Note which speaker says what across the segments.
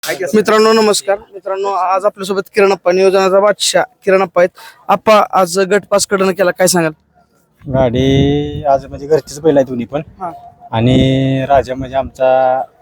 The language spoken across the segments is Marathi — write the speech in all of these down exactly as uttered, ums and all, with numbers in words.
Speaker 1: मित्रांनो नमस्कार मित्रांनो, आज आपल्यासोबत किरण अप्पा, नियोजनाचा बादशाह किरण अप्पा आहेत. अप्पा, आज गट पास कडनं केला, काय सांगाल?
Speaker 2: गाडी आज म्हणजे घरचीच बैल आहे दोन्ही पण.
Speaker 1: हा.
Speaker 2: आणि राजा म्हणजे आमचा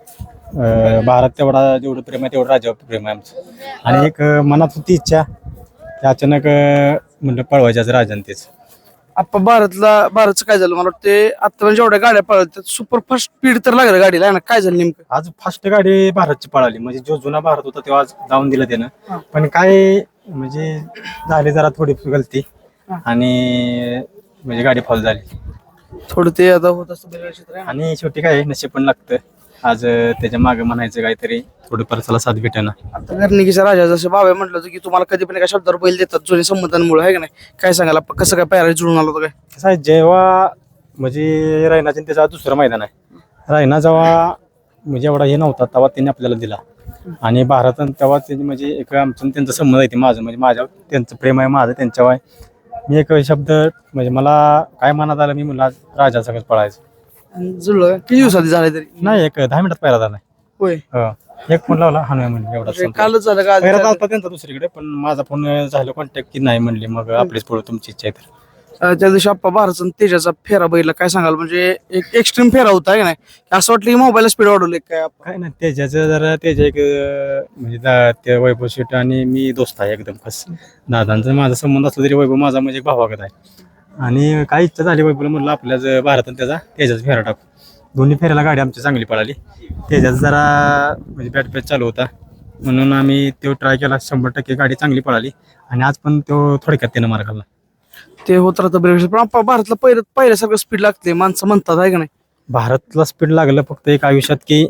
Speaker 2: अं, भारत तेवढा जेवढं प्रेम आहे तेवढं राजावर प्रेम आहे आमचं. आणि एक अं, मनात होती इच्छा की अचानक अं, म्हणलं पळवायचं आज राजाने तेच.
Speaker 1: अप्पा, भारतला भारतचं काय झालं? मला वाटतं आता म्हणजे जेवढ्या गाड्या पळतात सुपर फास्ट स्पीड तर लागलं गाडीला, आहे ना? काय झालं नेमकं?
Speaker 2: आज फास्ट गाडी भारतची पळाली, म्हणजे जो जुना भारत होता तेव्हा आज जाऊन दिलं
Speaker 1: हा.
Speaker 2: त्यानं. पण काय म्हणजे झाली जरा थोडी गलती
Speaker 1: हा.
Speaker 2: आणि म्हणजे गाडी फॉल झाली.
Speaker 1: थोडं ते आता होत असतं बैलगाडी क्षेत्र आहे ना.
Speaker 2: आणि शेवटी काय नशीब पण लागतं. आज अं, त्याच्या मागे म्हणायचं काहीतरी थोडं परसाला साथ भेटेना.
Speaker 1: आता घरणिकीचा राजा जसं बाबा म्हटलं होतं की तुम्हाला कधी पण एका शब्दावर बैल देतात जुने संबंधांमुळे, आहे का नाही? काय सांगाल अप्पा, कसं काय पायरा जुळून आलं होतं काय?
Speaker 2: कसं आहे, जेव्हा म्हणजे रायनाचे त्याचा दुसरं मैदान आहे. रायना जेव्हा म्हणजे एवढा हे नव्हता तेव्हा त्यांनी आपल्याला दिला. आणि भारत तेव्हा त्यांनी म्हणजे एक आमचं आणि त्यांचा संबंध आहे. ते माझं म्हणजे माझ्या त्यांचं प्रेम आहे, माझं त्यांच्यावर आहे. मी एक शब्द म्हणजे मला काय मनात आलं, मी म्हणलं आज राजा सगळं पळायचं.
Speaker 1: आणि जुळलं किती दिवसात झाले तरी?
Speaker 2: नाही, एक दहा मिनिटात पायरा झाला.
Speaker 1: होय.
Speaker 2: हो, एक फोन लावला हाणूया म्हणले एवढा
Speaker 1: म्हणजे कालच झालं का आज
Speaker 2: पहिला
Speaker 1: झालं?
Speaker 2: होता त्यांचा दुसरीकडे, पण माझा फोन झाला कॉन्टॅक्ट की नाही म्हणले मग आपलीच पळू, तुमची इच्छा आहे तर.
Speaker 1: अं, त्या दिवशी अप्पा भारतचा आणि तेजाचा फेरा बैल, काय सांगाल? म्हणजे एक एक्स्ट्रीम फेरा होता, आहे का नाही? असं वाटलं की मोबाईल स्पीड वाढवले काय अप्पा?
Speaker 2: काय नाही, त्याच्याचं जरा त्याच्या एक अं, म्हणजे दा- ते वैभव शेट आणि मी दोस्त आहे एकदम खास. दादांचा माझा संबंध असला तरी वैभव माझा म्हणजे भावागत आहे. आणि काय इच्छा झाली वैभवला, म्हणलं आपल्याच भारतात त्याचा त्याच्याच फेरा टाकू. दोन्ही फेऱ्याला गाडी आमची चांगली पळाली. त्याच्यात जरा म्हणजे बॅट पॅच चालू होता म्हणून आम्ही तो ट्राय केला. शंभर टक्के गाडी चांगली पळाली. आणि आज पण तो थोडक्यात त्यानं मार खाल्ला.
Speaker 1: ते होत राहतं ब्रेक, पण अप्पा भारतला पहिलं पहिल्यासारखं स्पीड लागते माणसं म्हणतात, आहे का नाही?
Speaker 2: भारतला स्पीड लागलं फक्त एक आयुष्यात की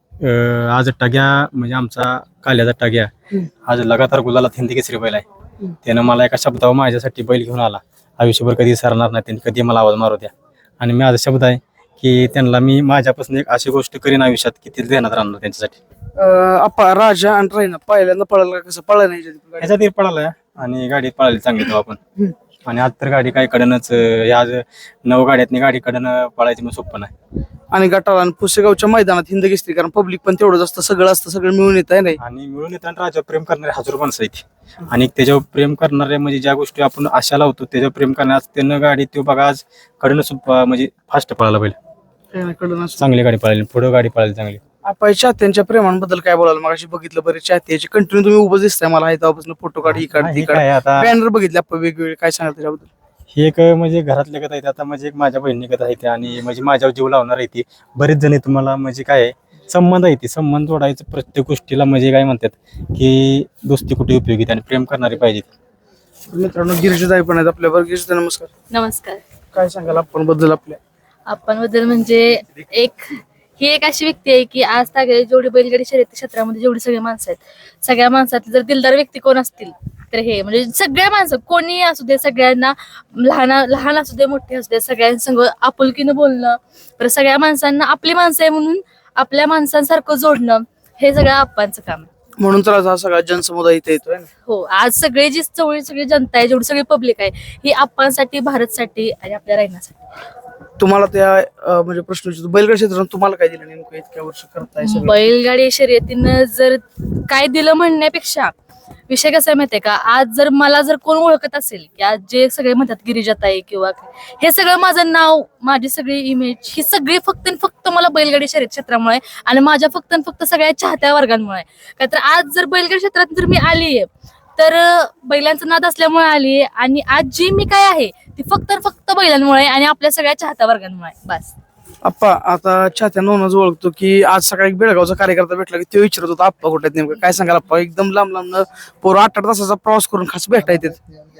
Speaker 2: अं, आज टाग्या म्हणजे आमचा काल्याचा टाग्या
Speaker 1: हम्म.
Speaker 2: आज लगातार गुलालात हिंदी केसरी बैल आहे.
Speaker 1: हम्म.
Speaker 2: त्यानं मला एका शब्दावर माझ्यासाठी बैल घेऊन आला. आयुष्यभर कधी सरणार नाही, त्यांनी कधी मला आवाज मारू द्या. आणि माझा शब्द आहे की त्यांना मी माझ्यापासून एक अशी गोष्ट करीन आयुष्यात की ती देण्यात राहणार त्यांच्यासाठी.
Speaker 1: अं, अप्पा, राजा आणि रायना पहिल्यांदा पळायला का कसं पळायला नाही याच्यात गाडी?
Speaker 2: ह्याच्यात एक पळाला आणि गाडी पळाली चांगली तेव्हा आपण.
Speaker 1: हम्म.
Speaker 2: आणि आज तर गाडी काय कडनच आज नऊ गाड्यातनी गाडी कडनं पळायची मग सोपं नाही.
Speaker 1: आणि गटाला आणि पुसेगावच्या मैदानात हिंद घेतली, कारण पब्लिक पण तेवढंच असतं, सगळं असतं, सगळं मिळून येत आहे नाही.
Speaker 2: आणि मिळून येताना राजावर प्रेम करणारे हजार माणसं आहेत. आणि त्याच्यावर प्रेम करणारे म्हणजे ज्या गोष्टी आपण आशा लावतो त्याच्यावर प्रेम करण्यास त्यानं गाडी तो बघा आज कडनं सुप म्हणजे फास्ट पळाला बैल.
Speaker 1: काय नाही, कळलं नसतं.
Speaker 2: चांगली गाडी पळाली, पुढं गाडी पळाली चांगली.
Speaker 1: आपण चाहत्यांच्या प्रेमांबद्दल काय बोलायला? मग बघितलं बरेच चाहत्याचे कंटिन्यू तुम्ही उभं दिसताय मला, आहे तेव्हापासून फोटो काढ, ही काढ, ती
Speaker 2: हे
Speaker 1: काढ,
Speaker 2: काय आता
Speaker 1: बॅनर बघितले आपण वेगवेगळे, काय सांगाल त्याच्याबद्दल?
Speaker 2: हे एक म्हणजे घरातल्या गत आहे. आता म्हणजे एक माझ्या बहिणीगत आहे ते आणि म्हणजे माझ्यावर जीव लावणार आहे ती. बरेच जण तुम्हाला म्हणजे काय आहे, संबंध आहे ती संबंध जोडायचं प्रत्येक गोष्टीला म्हणजे काय म्हणतात की दोस्ती कुठे उपयोगी आणि प्रेम करणारी पाहिजे.
Speaker 1: मित्रांनो, गिरीशदाई पण आहेत आपल्याबरोबर. गिरीशदाई, नमस्कार.
Speaker 3: नमस्कार.
Speaker 1: काय सांगाल आपण बद्दल आपल्या?
Speaker 3: आपण बद्दल म्हणजे एक ही एक अशी व्यक्ती आहे की आज तागे जेवढी बैलगाडी शर्यती क्षेत्रामध्ये जेवढी सगळी माणसं आहेत, सगळ्या माणसातली जर दिलदार व्यक्ती कोण असतील तर हे म्हणजे सगळ्या माणसं कोणी असू दे, सगळ्यांना लहान लहान असू दे मोठे असू दे, सगळ्यांसंग आपुलकीनं बोलणं, तर सगळ्या माणसांना आपली माणसं आहे म्हणून आपल्या माणसांसारखं जोडणं, हे सगळं आप्पांचं काम आहे.
Speaker 1: म्हणून तर आज हा सगळा जनसमुदाय इथे येतोय ना.
Speaker 3: हो, आज सगळे जी चवळी सगळी जनता आहे, जेवढी सगळी पब्लिक आहे, ही आप्पांसाठी, भारतसाठी आणि आपल्या रायनासाठी.
Speaker 1: तुम्हाला त्या अं, म्हणजे प्रश्न विचारतो, बैलगाडी क्षेत्रात तुम्हाला काय दिलं नेमकं इतक्या वर्ष करताय सगळं?
Speaker 3: बैलगाडी शर्यतीनं जर काय दिलं म्हणण्यापेक्षा विषय कसा आहे माहितीये का, आज जर मला जर कोण ओळखत असेल की आज जे सगळे म्हणतात गिरिजाताई किंवा काय, हे सगळं माझं नाव, माझी सगळी इमेज ही सगळी फक्त आणि फक्त मला बैलगाडी शर्यत क्षेत्रामुळे आणि माझ्या फक्त आणि फक्त सगळ्या चाहत्या वर्गांमुळे. का तर आज जर बैलगाडी क्षेत्रात जर मी आलीये तर बैलांचा नाद असल्यामुळे आलीये, आणि आज जी मी काय आहे ती फक्त आणि फक्त बैलांमुळे आणि आपल्या सगळ्या चाहत्या वर्गांमुळे. बस.
Speaker 1: आप्पा, आता चाहत्या नोनच ओळखतो की आज सकाळी बेळगावचा कार्यकर्ता भेटला की तो विचारत होता आप्पा कुठे आहेत नेमकं, काय सांगाल आप्पा? एकदम लांब लांब पोरं आठ आठ तासाचा प्रवास करून खास भेटा येते.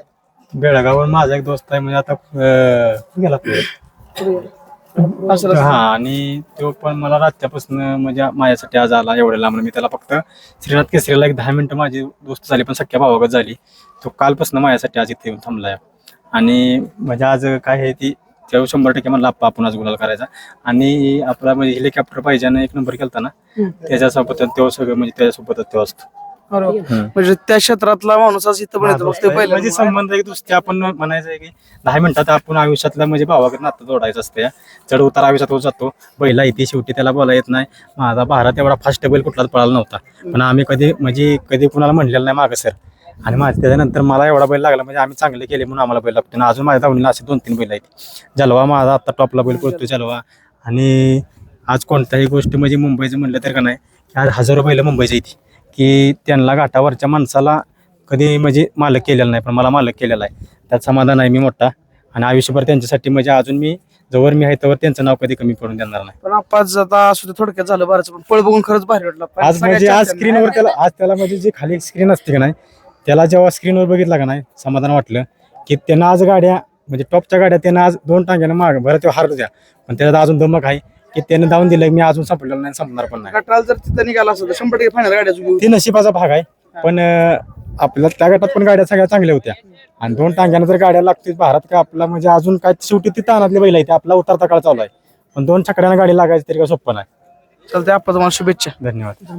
Speaker 2: बेळगावर माझा एक दोस्त आहे म्हणजे आता अं, गेला तो.
Speaker 1: असं
Speaker 2: हा, आणि तो पण मला रात्यापासून म्हणजे माझ्यासाठी आज आला एवढ्या लांब. मी त्याला फक्त श्रीनाथ केसरीला एक दहा मिनिटं माझी दोस्त झाली पण सख्या भावागत झाली. तो कालपासून माझ्यासाठी आज इथे येऊन थांबलाय. आणि म्हणजे आज काय आहे ती तेव्हा शंभर टक्के म्हणला आप्पा आपण आज गुलाल करायचा. आणि आपला म्हणजे हेलिकॉप्टर पाहिजे एक नंबर केलता ना, त्याच्यासोबत तेव्हा सगळं म्हणजे त्याच्यासोबतच तेव्हा असतो.
Speaker 1: अरे वा.
Speaker 2: हम्म.
Speaker 1: म्हणजे त्या क्षेत्रातला माणूस आज इथं पण येतो फक्त बैल
Speaker 2: म्हणजे संबंध एक दुसरे आपण म्हणायचं आहे की दहा मिनिटात आपण आयुष्यातला म्हणजे भावाकडे नातं जोडायचं असतं. चढ उतार आयुष्यात होत जातो. बैला इथे शेवटी त्याला बोला येत नाही. माझा भारत एवढा फास्ट बैल कुठलाच पळाला नव्हता, पण आम्ही कधी म्हणजे कधी कुणाला म्हणलेलं नाही मागं सर. आणि माझ्या त्याच्यानंतर मला एवढा बैल लागला म्हणजे आम्ही चांगले केले म्हणून आम्हाला बैल लागतो. अजून माझ्या धावणीला असे दोन तीन बैल आहेत. जलवा माझा आता टॉपला बैल पळतो जलवा. आणि आज कोणत्याही गोष्ट म्हणजे मुंबईचं म्हणलं तर का नाही, आज हजारो बैल मुंबईची येते की त्यांना घाटावरच्या माणसाला कधी म्हणजे मालक केलेला नाही, पण मला मालक केलेला आहे. त्यात समाधान आहे मी मोठा. आणि आयुष्यभर त्यांच्यासाठी म्हणजे अजून मी जवळ मी आहे त्यावर त्यांचं नाव कधी कमी पडून देणार नाही.
Speaker 1: पण आपण आता असू थोडक्यात झालं बरंच, पण पळ बघून खरंच भारी वाटलं. पण
Speaker 2: आज
Speaker 1: सगळ्या
Speaker 2: म्हणजे आज
Speaker 1: चाहत्यांना-
Speaker 2: स्क्रीनवर त्याला आज त्याला म्हणजे जी खाली स्क्रीन असते का नाही, त्याला जेव्हा स्क्रीनवर बघितला का नाही समाधान वाटलं की त्यांना आज गाड्या म्हणजे टॉपच्या गाड्या त्यांना आज दोन टांग्यानं माग बरं ते हारत द्या, पण त्याच्यात अजून दमक आहे की त्याने धावून दिलं मी अजून संपलेलं नाही, संपणार पण नाही.
Speaker 1: गटाला जर तिथं निघाला असं तर शंभर टक्के फायनल गाड्याचं घेऊ.
Speaker 2: ती नशिबाचा भाग आहे. पण अं, आपल्या त्या गटात पण गाड्या सगळ्या चांगल्या होत्या. आणि दोन टांग्यानं जर गाड्या लागतील भारत का आपला म्हणजे अजून काय शेवटी ती तानातली बैल आहे, आपला उतरता काळ चालू आहे. पण दोन छकड्यानं गाडी लागायची तरी काय सोपं नाही.
Speaker 1: चालतंय, आपण तुम्हाला शुभेच्छा.
Speaker 2: धन्यवाद.